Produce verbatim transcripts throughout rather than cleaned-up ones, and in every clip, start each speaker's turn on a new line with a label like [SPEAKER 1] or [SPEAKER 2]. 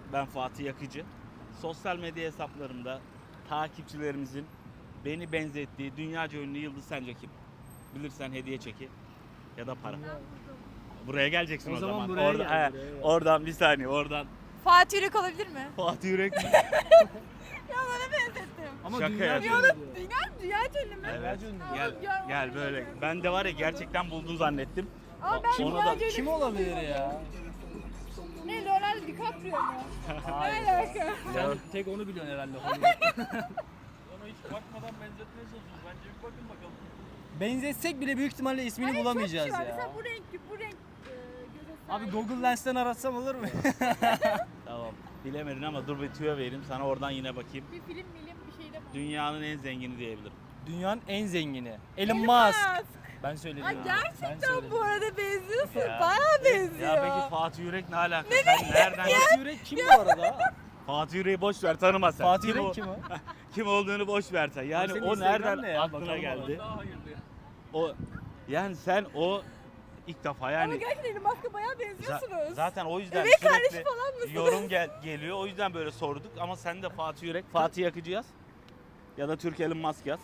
[SPEAKER 1] Ben Fatih Yakıcı. Sosyal medya hesaplarımda takipçilerimizin beni benzettiği dünyaca ünlü yıldız sence kim? Bilirsen hediye çeki ya da para. Buraya geleceksin o,
[SPEAKER 2] O zaman
[SPEAKER 1] zaman.
[SPEAKER 2] buraya
[SPEAKER 1] Orada,
[SPEAKER 2] gel,
[SPEAKER 1] he,
[SPEAKER 2] buraya gel.
[SPEAKER 1] oradan bir saniye oradan.
[SPEAKER 3] Fatih Yürek olabilir mi?
[SPEAKER 1] Fatih Yürek mi?
[SPEAKER 3] Ya bana benzettim.
[SPEAKER 2] Ama
[SPEAKER 1] Şaka
[SPEAKER 2] dünya
[SPEAKER 1] yapıyorum.
[SPEAKER 2] ünlü diyor.
[SPEAKER 3] Dünya, dünya ünlü mü?
[SPEAKER 1] Evet.
[SPEAKER 3] Aa,
[SPEAKER 1] Gel
[SPEAKER 3] ya,
[SPEAKER 1] gel böyle. Ben de var ya gerçekten buldun zannettim.
[SPEAKER 3] Ama ben
[SPEAKER 1] Ona
[SPEAKER 3] dünya
[SPEAKER 1] da-
[SPEAKER 3] ünlü
[SPEAKER 2] Kim olabilir ya?
[SPEAKER 3] Ne, Leonardo DiCaprio mu? Ne alaka?
[SPEAKER 2] Sen tek onu biliyorsun herhalde.
[SPEAKER 4] Ona hiç bakmadan benzetmeye çalışıyoruz. Bence bir bakın bakalım.
[SPEAKER 2] Benzetsek bile büyük ihtimalle ismini
[SPEAKER 3] Hayır,
[SPEAKER 2] bulamayacağız
[SPEAKER 3] çok kişi var.
[SPEAKER 2] ya.
[SPEAKER 3] Mesela bu renk, bu renk e, göze
[SPEAKER 2] Abi
[SPEAKER 3] sahip.
[SPEAKER 2] Google Lens'ten aratsam olur mu?
[SPEAKER 1] Tamam. Bilemedin ama dur bir tüyo vereyim sana oradan yine bakayım.
[SPEAKER 3] Bir film milim bir şeyde mi?
[SPEAKER 1] Dünyanın en zengini diyebilirim.
[SPEAKER 2] Dünyanın en zengini. Elon
[SPEAKER 3] Elon
[SPEAKER 2] Musk. Ben söyledim.
[SPEAKER 3] Ay
[SPEAKER 2] ya. Ben
[SPEAKER 3] gerçekten
[SPEAKER 2] söyledim.
[SPEAKER 3] bu arada benziyorsun.
[SPEAKER 1] Ya.
[SPEAKER 3] Bayağı benziyor.
[SPEAKER 1] Ya peki Fatih Yürek ne alaka? Sen nereden?
[SPEAKER 2] Fatih Yürek kim bu arada?
[SPEAKER 1] Fatih Yürek'i boş ver tanıma sen.
[SPEAKER 2] Fatih
[SPEAKER 1] Kim o-
[SPEAKER 2] Yürek kim o?
[SPEAKER 1] Kim olduğunu boş ver sen. Yani
[SPEAKER 2] Senin
[SPEAKER 1] o
[SPEAKER 2] Instagram
[SPEAKER 1] nereden
[SPEAKER 2] ne ya?
[SPEAKER 1] aklına
[SPEAKER 2] Bakalım
[SPEAKER 1] geldi?
[SPEAKER 4] Daha hayırlı.
[SPEAKER 1] O yani sen o ilk defa
[SPEAKER 3] Ama
[SPEAKER 1] yani
[SPEAKER 3] gerçekten Elon Musk'a bayağı
[SPEAKER 1] za-
[SPEAKER 3] benziyorsunuz.
[SPEAKER 1] zaten o yüzden
[SPEAKER 3] Evet, kardeşi
[SPEAKER 1] sürekli
[SPEAKER 3] falan mısınız?
[SPEAKER 1] yorum gel geliyor. O yüzden böyle sorduk ama sen de Fatih Yürek, Fatih Yakıcı yaz. Ya da Türk Elon Musk yaz.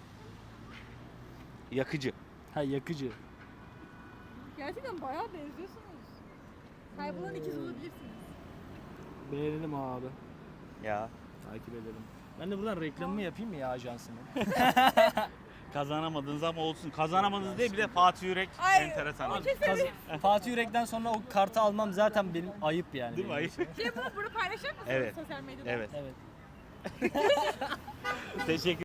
[SPEAKER 1] Yakıcı.
[SPEAKER 2] Ha yakıcı.
[SPEAKER 3] Gerçekten bayağı benziyorsunuz. Kaybolan ikiz olabilirsiniz.
[SPEAKER 2] Beğenelim abi.
[SPEAKER 1] Ya
[SPEAKER 2] Takip edelim. Ben de buradan reklamımı yapayım mı ya ajansının?
[SPEAKER 1] kazanamadınız ama olsun. Kazanamadınız değil bir de Fatih Yürek
[SPEAKER 3] Ay,
[SPEAKER 1] enteresan.
[SPEAKER 3] o
[SPEAKER 1] Değil
[SPEAKER 3] kesin.
[SPEAKER 2] Kaz- Fatih Yürek'ten sonra o kartı almam zaten benim ayıp yani.
[SPEAKER 1] mi?
[SPEAKER 2] benim
[SPEAKER 1] Ayıp.
[SPEAKER 2] için.
[SPEAKER 3] Şey bunu, bunu paylaşır mısınız
[SPEAKER 1] Evet.
[SPEAKER 3] sosyal medyada?
[SPEAKER 1] Evet.
[SPEAKER 2] Evet.
[SPEAKER 1] Teşekkür